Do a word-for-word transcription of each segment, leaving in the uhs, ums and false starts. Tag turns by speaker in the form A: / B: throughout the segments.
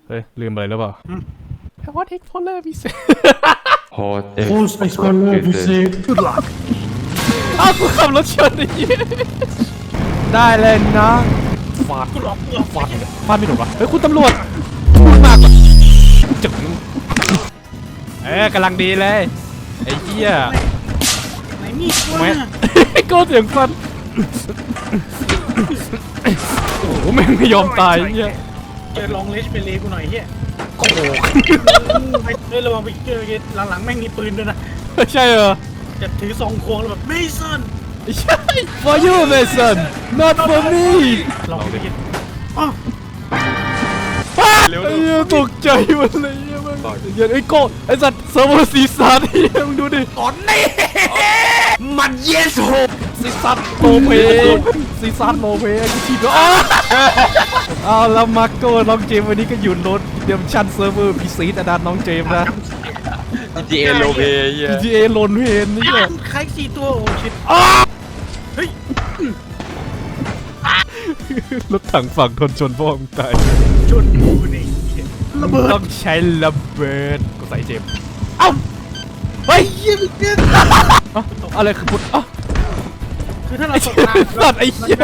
A: เฮ้ยลืมอะไรหรือเปล่าฮอตเอ็กโพเลอร์พิเศษ
B: ฮอตเอ็ก
C: Host Explorer พิเศษ Good luck
A: อ้าวกูขับรถชนไอ้เหี้ยได้เลยนะฟาดฟาดฟาดไม่ถูกวะเฮ้ยคุณตำรวจพูดมากกว่าจึ๊งเอ้ยกำลังดีเลยไอ้เหี้ย
C: ไหนมีดวะ
A: แม่ก็เสียงฟันโอ้โหแม่งไม่ยอมตายเหี้ย
C: เจอลองเลชเป็นเลกูหน่อยเฮีย
A: โอ้โห
C: ไปเฮ้ยระวังไปเจอหลังๆแม่งมีปืนด้วยนะ
A: ใช่เหรอ
C: จะถือซองควงแล้วแบบไม่ซัน
A: ใช่ for you Mason not for me
C: ลองดิอ๋อ
A: เร็วไอ้เหี้ยตกใจหมดเลยเหี้ยมึงเหี้ยไอ้โก้ไอ้สัตว์เซิร์ฟเวอร์ซีซันเหี้ยมึงดูดิ
C: ตอนนี้มันเยสโฮ
A: ซีซันโนเพซีซันโนเพกูทีบแล้วเอาแล้วมาโก้น้องเจมวันนี้ก็อยู่รถเดมชันเซิร์ฟเวอร์พีซีอาดานน้องเจมนะ
B: จี เอ โลเปเฮีย
A: พี จี เอ โลนเพนนี่แหละ
C: ใครสี่ตัวโอ้ชิตเฮ้ย
A: รถถังฝั่งทนชนพ่อมึงตาย
C: ชนกูนี่ระเบิด
A: ต้องใช้ระเบิดกูใส่เจมเอ้าเฮ้ย
C: เยี่ยมเยี่ยม
A: อะอะไรคือพุทธอ่ะ
C: คือถ้าเราตกน้ำ
A: สัตว์ไอ้เหี้ย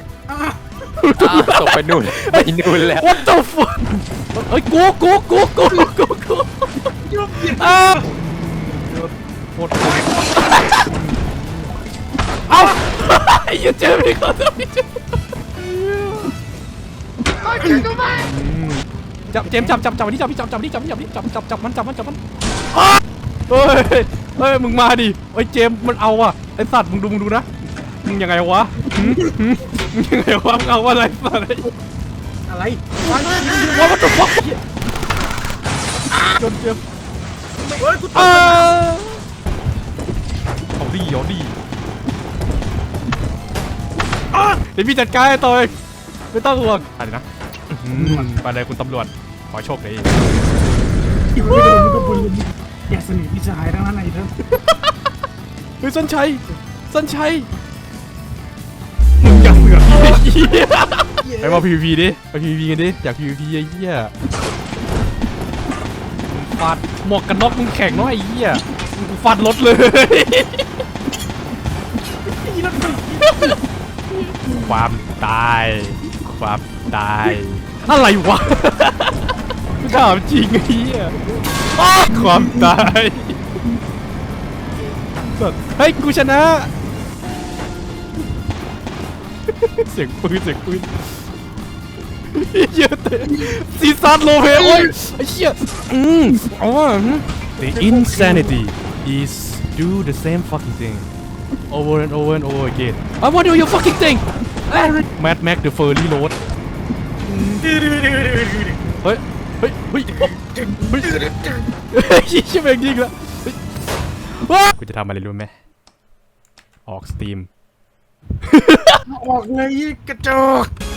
B: ตกไปนู่นไปนู่นแล้ว
A: What the fuck เฮ้ยกูกูกูกูกูกู
C: ยุ่งยิ่ง
A: อ้าวโคตรเอ้าไอ้เหี้ยเจมไม่เข้าใจจับเจมจับจับจับวันนี้จับจับจับนี่จับนี่จับนี่จับจับจับมันจับมันจับมันเฮ้ยเฮ้ยมึงมาดิไอ้เจมมันเอาอ่ะไอ้สัตว์มึงดูมึงดูนะมึงยังไงวะมึงยังไงวะมึงเอาอะไรสัตว์
C: อะไร
A: ว่ามันตัวฟอกจนเจ็บ
C: เฮ้ยกูตก
A: เอาดีเอาดีเดี๋ยวพี่จัดการให้ตัวเองไม่ต้องห่วงไปเลยนะไปเลยคุณตำรวจขอโชคดี
C: อยู่ไม่โดนมึงก็บุญอยากสนิทพี่ชายทั้งนั้นไอ้เถอะ
A: เฮ้ยสันชัยสันชัยมึงอย่าเสือกไปมา พี วี พี ดิไป พี วี พี กันดิอยาก พี วี พี ไอ้เหี้ยฟาดหมวกกันน็อกมึงแข็งเนาะไอ้เหี้ยฟาดรถเลยความตายความตายอะไรวะถามจริงไอ้เหี้ยความตายเฮ้ยกูชนะเสียงปืนเสียงปืนเยอะเตะซีซันโลเพโอ้ยไอ้เหี้ยอืมอ๋อ The insanity is do the same fucking thing over and over and over again I want to do your fucking thing Mad Max the Furry Road เฮ้ยเฮ้ยเฮ้ยเฮ้ยชิบเองจริงละกูจะทำอะไรรู้ไหมออกสตรีม
C: ออกเลยกระจอก